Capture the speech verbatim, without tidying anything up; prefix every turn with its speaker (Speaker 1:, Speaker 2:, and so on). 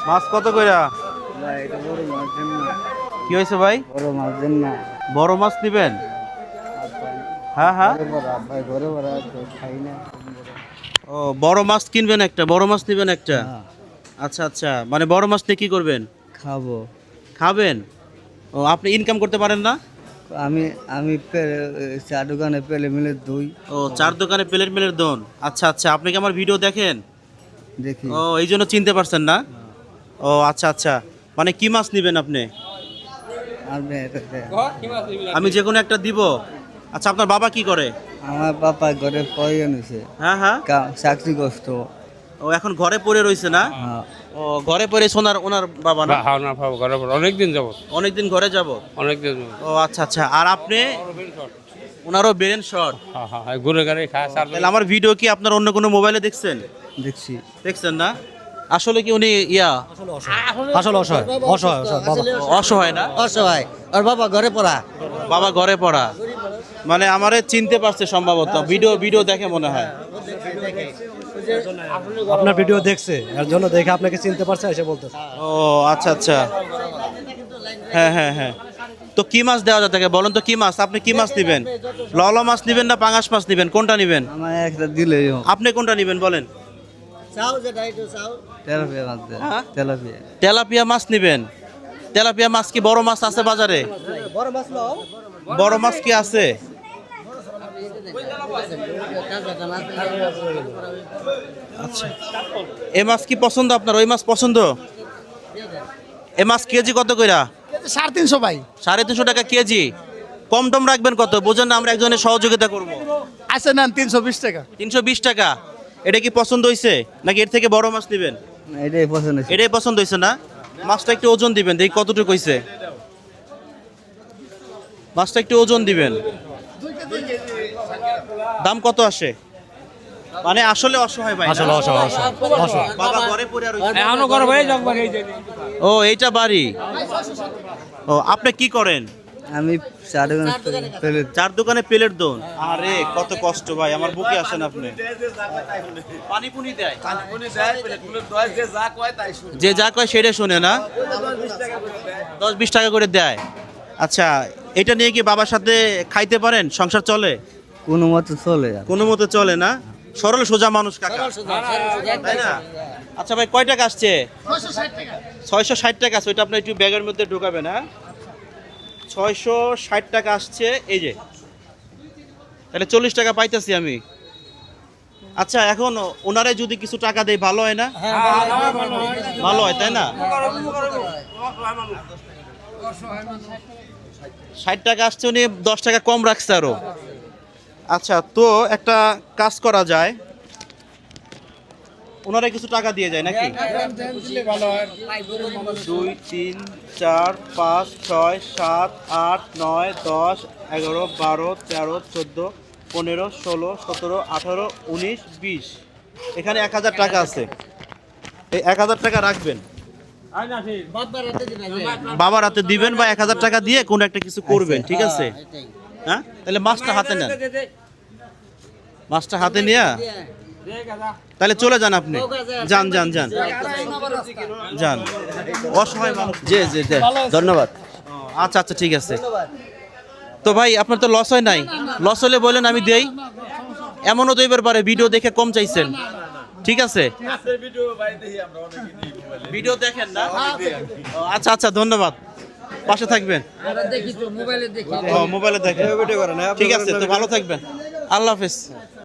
Speaker 1: মাছ কত কইরা?
Speaker 2: ভাই এটা বড় মাছ দেন না।
Speaker 1: কি হয়েছে ভাই?
Speaker 2: বড় মাছ দেন না।
Speaker 1: বড় মাছ নিবেন? হ্যাঁ হ্যাঁ।
Speaker 2: ঘরে বড় ভাই ঘরে বড় তো খাই না।
Speaker 1: ও বড় মাছ কিনবেন একটা, বড় মাছ নিবেন একটা।
Speaker 2: হ্যাঁ,
Speaker 1: আচ্ছা আচ্ছা, মানে বড় মাছ নিয়ে কি করবেন?
Speaker 2: খাবো।
Speaker 1: খাবেন? ও আপনি ইনকাম করতে পারেন না?
Speaker 2: আমি আমি পে- চা দোকানে পেলে মিলে দুই
Speaker 1: ও চার দোকানে প্লেট মেলের দোন। আচ্ছা আচ্ছা, আপনি কি আমার ভিডিও দেখেন?
Speaker 2: দেখি।
Speaker 1: ও এই জন্য চিনতে পারছেন না? ও আচ্ছা আচ্ছা, মানে কি মাছ নিবেন আপনি?
Speaker 2: আপনি এটা দেন।
Speaker 1: আমি যে কোনো একটা দিব। আচ্ছা, আপনার বাবা কি করে?
Speaker 2: আমার বাবা ঘরে প্রয়োজন হয়েছে,
Speaker 1: হ্যাঁ হ্যাঁ।
Speaker 2: চাকরি কষ্ট।
Speaker 1: ও এখন ঘরে পড়ে রইছে না?
Speaker 2: হ্যাঁ,
Speaker 1: ও ঘরে পড়ে সোনার ওনার বাবা না?
Speaker 3: হ্যাঁ না পাবো ঘরে পর অনেকদিন যাব
Speaker 1: অনেকদিন ঘরে যাব।
Speaker 3: অনেকদিন
Speaker 1: ও আচ্ছা আচ্ছা, আর আপনি? ওনারও ব্রেন শর্ট।
Speaker 3: হ্যাঁ হ্যাঁ ঘুরে ঘুরে খায় সার
Speaker 1: তাহলে আমার ভিডিও কি আপনার অন্য কোনো মোবাইলে দেখছেন?
Speaker 2: দেখছি।
Speaker 1: দেখছেন না? আসলে কি উনি ইয়া
Speaker 4: আসলে অসহায় অসহায় অসহায় বাবা
Speaker 1: অসহায় না?
Speaker 2: অসহায় আর বাবা ঘরে পড়া।
Speaker 1: বাবা ঘরে পড়া, মানে আমারে চিনতে পারছে সম্ভবত, ভিডিও ভিডিও দেখে মনে হয়।
Speaker 4: আপনার ভিডিও দেখছে এর জন্য দেখে আপনাকে চিনতে পারছে এসে বলতেছে।
Speaker 1: ও আচ্ছা আচ্ছা, হ্যাঁ হ্যাঁ হ্যাঁ। তো কি মাছ দেওয়া যায় তাকে বলেন তো, কি মাছ? আপনি কি মাছ নেবেন? ললা মাছ নেবেন না পাঙাশ মাছ নেবেন? কোনটা নেবেন?
Speaker 2: আমার একটা দিলে
Speaker 1: আপনি কোনটা নেবেন বলেন?
Speaker 2: তেলাপিয়া মাছ দেন।
Speaker 1: হ্যাঁ?
Speaker 2: তেলাপিয়া।
Speaker 1: তেলাপিয়া মাছ নেবেন? তেলাপিয়া মাছ কি বড় মাছ আছে বাজারে? বড় মাছ কি আছে? আচ্ছা, এ মাছ কি পছন্দ আপনার? ওই মাছ পছন্দ? এ মাছ কেজি কত কইরা?
Speaker 5: সাড়ে তিনশো ভাই।
Speaker 1: সাড়ে তিনশো টাকা কেজি। কম টম রাখবেন কত? বোঝেন না, আমরা একজনের সহযোগিতা করব।
Speaker 5: আছে নেন তিনশো বিশ টাকা।
Speaker 1: তিনশো বিশ টাকা। এটা কি পছন্দ হয়েছে নাকি এর থেকে বড় মাছ নেবেন?
Speaker 2: না, এটাই পছন্দ হয়েছে।
Speaker 1: এটাই পছন্দ হয়েছে না? মাছটা একটু ওজন দিবেন, দেখি কতটুকু হয়েছে। মাছটা একটু ওজন দিবেন। দাম কত আসে? মানে আসলে অসহায় ভাই না?
Speaker 4: আসলে অসহায় অসহায় অসহায়
Speaker 1: বাবা ঘরে পড়ে আর রইছে।
Speaker 3: এখনো ঘরে ভাই যাক ভাই এই যে
Speaker 1: ও এইটা বাড়ি। ও আপনি কি করেন?
Speaker 2: আমি চা দোকানে পেলে
Speaker 1: চার দোকানে প্লেট দোন। আরে কত কষ্ট ভাই, আমার বুকে আসেন আপনি। পানি পুনি দেয়, যে যা কয় সেটা শুনে না? দশ বিশ টাকা করে দেয়। আচ্ছা, এটা নিয়ে কি বাবার সাথে খাইতে পারেন? সংসার চলে?
Speaker 2: কোনো মতো চলে যায়।
Speaker 1: কোনো মতে চলে না? সরল সোজা মানুষ কাকা, তাই না? আচ্ছা ভাই, কয় টাকা আসছে? ছয়শো ষাট টাকা আছে। ওইটা আপনি একটু ব্যাগের মধ্যে ঢোকাবেন। হ্যাঁ, ছয়শো ষাট টাকা আসছে এই যে। তাহলে চল্লিশ টাকা পাইতেছি আমি। আচ্ছা, এখন ওনারে যদি কিছু টাকা দেয় ভালো হয় না? ভালো হয়, তাই না? ষাট টাকা আসছে, উনি দশ টাকা কম রাখছে আরো। আচ্ছা, তো একটা কাজ করা যায়, ওনারা কিছু টাকা দিয়ে যায় নাকি? দুই তিন চার পাঁচ ছয় সাত আট নয় দশ এগারো বারো তেরো চোদ্দো পনেরো ষোলো সতেরো আঠারো উনিশ বিশ। এখানে এক হাজার টাকা আছে। এই এক হাজার টাকা রাখবেন, বাবার হাতে দিবেন, বা এক হাজার টাকা দিয়ে কোনো একটা কিছু করবেন, ঠিক আছে? হ্যাঁ, তাহলে মাছটা হাতে নেন। মাছটা হাতে নিয়ে তাহলে চলে যান আপনি। যান যান যান যান, অসহায় মানুষ।
Speaker 2: জি জি জি, ধন্যবাদ।
Speaker 1: আচ্ছা আচ্ছা, ঠিক আছে। তো ভাই, আপনার তো লস হয় নাই? লস হলে বলেন, আমি দেই। এমনও তো এবার পারে ভিডিও দেখে কম চাইছেন, ঠিক আছে? ভিডিও দেখেন না? ও, আচ্ছা আচ্ছা, ধন্যবাদ। পাশে থাকবেন। ও মোবাইলে দেখেন, ঠিক আছে। তো ভালো থাকবেন, আল্লাহ হাফেজ।